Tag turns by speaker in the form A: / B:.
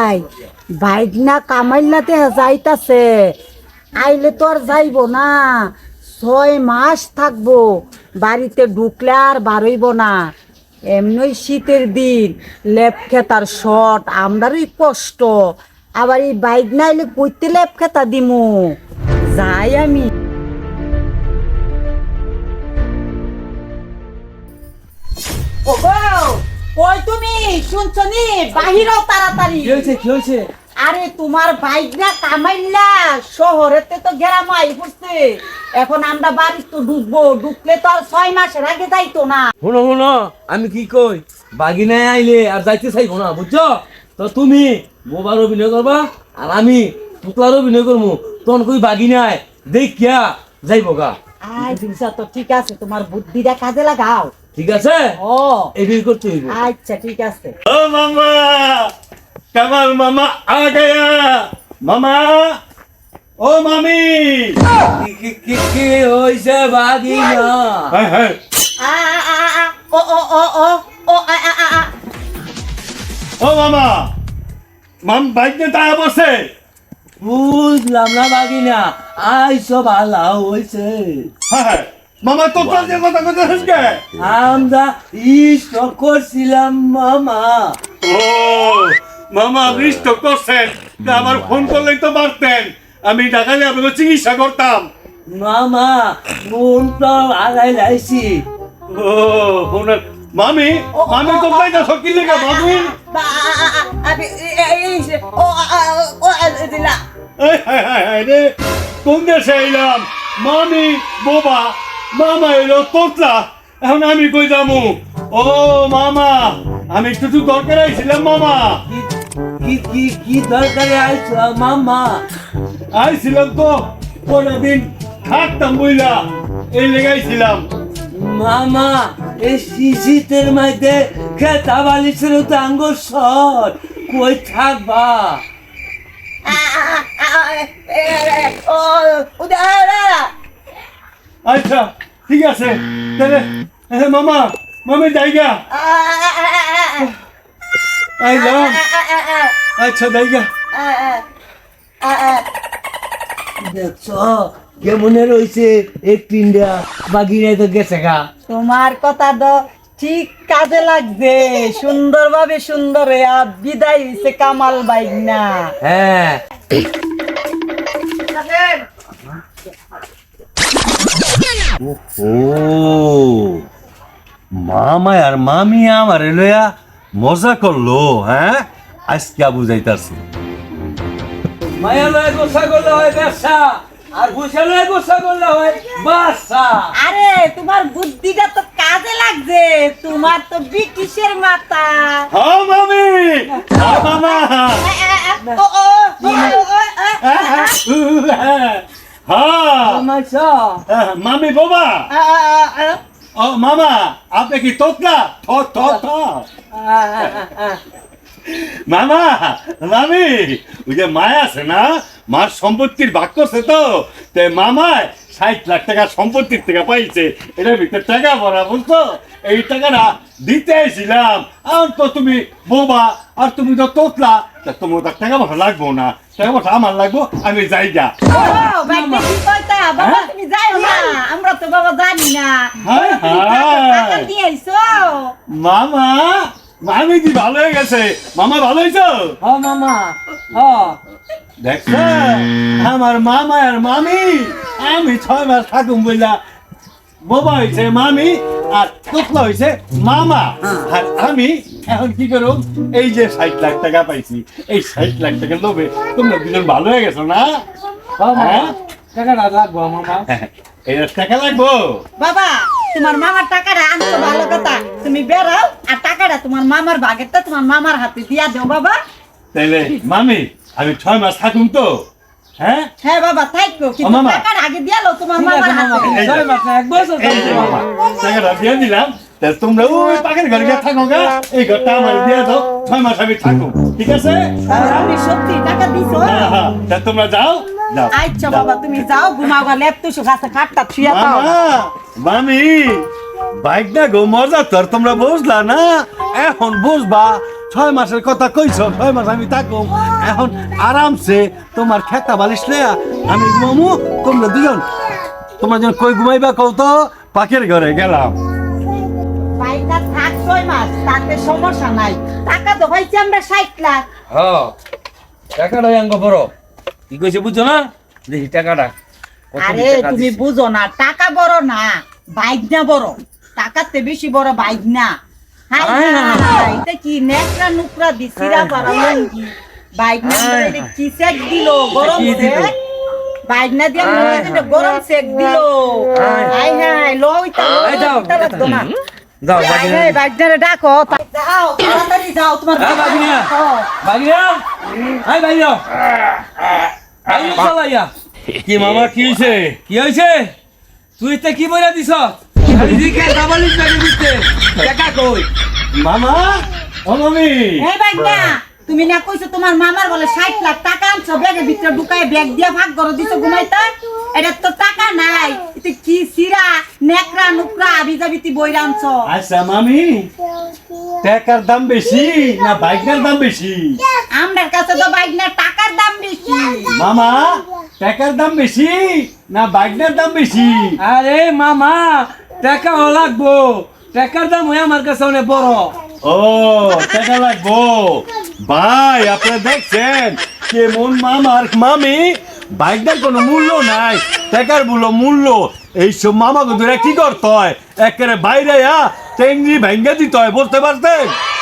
A: ভাই বাইক না কামাইলাতে যাইতাছে আইলে তো আর যাইব না 6 মাস থাকবো বাড়িতে ঢুকলে আর বারইব না এমনি শীতের দিন লেপ খেতার শট আমরারই কষ্ট আবার এই বাইক না আইলে কইতে লেপ খেতা দিমু যাই আমি ওই তুমি শুনছো নি বাহিরও তাড়াতাড়ি
B: কি হয়েছে
A: আরে তোমার বাইক না কামাইলা শহরেতে তো গ্রামাই পড়ছে এখন আমরা বাড়ি তো ঢুকলে তো আর 6 মাসের আগে যাইতো না
B: শুনো আমি কি কই বাগিনায় আইলে আর যাইতে চাইবো না বুঝছো তো তুমি বোবার অভিনয় করবা আর আমি পুতলার অভিনয় করবো তখন কই বাগিনায় দেখিয়া যাইবো গা
A: আচ্ছা তো ঠিক আছে তোমার বুদ্ধিটা কাজে লাগাও
B: ঠিক আছে
A: ও
B: এটাই করতে হইব
A: আচ্ছা ঠিক আছে
C: ओ मामा कमल मामा आ गया मामा ओ मामी
B: কি হইছে বাগিনা
C: हाय हाय
A: আ আ আ ও ও ও ও ও আ আ আ
C: ओ मामा माम बाइक में टायर बसे
B: বুঝলাম না বাগিনা আইসো ভালো হইছে
C: हाय हाय मामा तो चल दे কথা কথা হসকে
B: আমরা ইষ্ট করছিলাম মামা
C: ও মামা বৃষ্ট করছেন তা আমার ফোন করলেই তো পারতেন আমি ঢাকায় আপনাকে চিকিৎসা করতাম
B: মামা মন তো আগাই লাইছি
C: ও ওনার মামি মামি তো তাই না সকিল লেগে মামি
A: বা আবে এই ও ও দিলা
C: এই হায় হায় হায় রে কোন দেশে এলাম মামি বোবা মামা এলো তোতলা এখন আমি কই যামু ও মামা আমি একটু তো দরকার আইছিলাম মামা
B: কি দরকারে আইছো মামা
C: আইছিলাম তো পরের দিন থাকতাম বইলা এই লেগাইছিলাম
B: মামা এই শীতের মধ্যে খেতা বালিশের তো আঙ্গুর সর কই থাকবা
A: ও উদারা
C: আচ্ছা ঠিক আছে তাহলে মামা মামি জায়গা আইলাম আচ্ছা জায়গা
B: দেখছো কেমনে রয়েছে একটু ইন্ডিয়া বাগিনায় তো গেছে গা
A: তোমার কথা তো ঠিক কাজে লাগছে সুন্দরভাবে সুন্দর বিদায় হইছে কামাল বাইক না
B: হ্যাঁ
C: ও মামা আর মামি আমার লইয়া মজা করলো হ্যাঁ আজকে বুঝাইতাছি
B: মায়া লয় গোসা করলে হয় ব্যবসা আর গোসা লয় গোসা করলে হয় বাসা
A: আরে তোমার বুদ্ধিটা তো কাজে লাগছে তোমার তো ব্রিটিশের মাথা
C: হ্যাঁ মামি হ্যাঁ মামা
A: ও ও
C: হ্যাঁ
B: মাইসা
C: মামি বাবা ও মামা আপনি কি তোতলা থ মামা মামি ওই যে মায়া আছে না মার সম্পত্তির ভাগ করছে তো মামায় 60 লাখ টাকা সম্পত্তির থেকে পাইছে এটার ভিতরে টাকা ভরা বুঝছো এই টাকাটা দিতে আইছিলাম আর তো তুমি বোবা আর তুমি তো তোতলা তা তোমার তো টাকা ভরা লাগবো না টাকা ভরা আমার লাগবো আমি যাই যা
A: বাবা তুমি যাও না আমরা তো বাবা জানি না
C: হায়
A: টাকা
C: হায়
A: দিয়ে আইছো
C: মামা মামি কি ভালো হয়ে গেছে মামা ভালো হয়েছো
B: হ্যাঁ মামা
C: দেখছো আমার মামা আর মামি আমি 6 মাস থাকুম বইলা বাবা হয়েছে মামি আর তোতলা হয়েছে মামা আর আমি এখন কি করব এই যে 60 লাখ টাকা পাইছি এই 60 লাখ টাকা লোভে তোমরা দুজন ভালো হয়ে গেছো না হ্যাঁ
B: টাকাটা লাগবো মামা
C: এই টাকা লাগবো
A: বাবা তোমার মামার টাকাটা আনতো ভালো কথা তুমি বেরাও আর টাকাটা তোমার মামার ভাগেরটা তোমার মামার হাতে দিয়া দাও বাবা
C: তাইলে মামি আমি 6 মাস থাকুম তো হ্যাঁ
A: হ্যাঁ বাবা থাকো কিন্তু
C: মামা।
A: টাকাটা আগে দিয়া লো তোমার মামার হাতে
C: এই যে।
B: 6 মাস না 1 বছর
C: এই যে মামা টাকাটা দিয়ে দিলাম তা তোমরা ওই পাখির ঘরে গিয়ে থাকো গা এই ঘরটা আমার দিয়ে দাও 6 মাস আমি থাকো ঠিক আছে
A: আপনি সত্যি টাকা দিছো
C: হ্যাঁ হ্যাঁ তা তোমরা যাও যাও
A: আচ্ছা বাবা তুমি যাও ঘুমাও লেপতুসু কাছে খাটটা ছুঁয়া দাও
C: মামা মামি বাইক না গো মজা তোর তোমরা বুঝলা না এখন বুঝবা 6 মাসের কথা কইছ, 6 মাস আমি থাকুম। এখন আরামসে তোমার খেতা বালিশ লয়া আমি ঘুমামু, তোমরা দুজন তোমরা যেন কই ঘুমাইবা কও তো, পাখির ঘরে গেলাম।
A: বাইকটা থাক 6 মাস, তাতে সমস্যা নাই। টাকা তো ভাইছি আমরা 60 লাখ।
B: হ্যাঁ টাকাটা আঙ্গ বড় কি কইছে বুঝছো না? দেখি টাকাটা কত
A: আরে
B: টাকা
A: তুমি
B: দিছে।
A: বুঝো না, টাকা বড় না, বাইক না বড়। টাকাতে বেশি বড় বাইক না। হাই
B: আয় না, না, না।
A: হাই, এটা কি নেকড়া নুকরা দিছিরা বাড়ালেন কি? বাইক না
B: আয়।
A: এটা কি সেক দিল, গরম
B: কি দিল?
A: সেক। বাইক না দিয়ে
B: আয়,
A: এটা গরম সেক দিল।
B: আয়।
A: হাই হাই, লইতা
B: এই যাও,
A: লইতা লাগতো না।
B: যাও
A: হাই
B: বাগিনা
A: হাই, বাইকটারে ডাকো। যাও, তাড়াতাড়ি যাও, তোমার
B: হ্যাঁ, বাগিনা।
A: হ্যাঁ।
B: বাগিনা হাই বাইরা আইও চালাইয়া
C: কি মামা কি হইছে?
B: কি হইছে? তুই তে কি বইরা দিছ? খালি দিকে দাবালিশ লাগে দিতে টাকা কই?
C: মামা ও মামি,
A: এই বাইক না, তুমি না কইছো তোমার মামার বলে 60 লাখ টাকা আনছো, ব্যাগের ভিতরে ঢুকায় ব্যাগ দিয়া ভাগ করে দিছো ঘুমাইতে। এটা তো টাকা নাই, এটা কি সিরা নেকড়া নুকরা আবিজাবিতি বইরা আনছো।
C: আচ্ছা মামি, টাকার দাম বেশি না বাইকের দাম বেশি?
A: আমার কাছে তো বাইক না, টাকার দাম বেশি।
C: মামা টাকার দাম বেশি না বাইকের দাম বেশি?
B: আরে মামা টাকা লাগবো, টাকার দাম হয় আমার কাছে অনেক বড়।
C: ও টাকা লাগবো। ভাই আপনারা দেখছেন কেমন মামার মামি, বাইকটার কোনো মূল্য নাই, টাকার মূল্য। এইসব মামাকে ধরে কি করতে হয়, একেবারে বাইরে টেঙ্গি ভেঙ্গে দিতে হয়, বুঝতে পারছেন?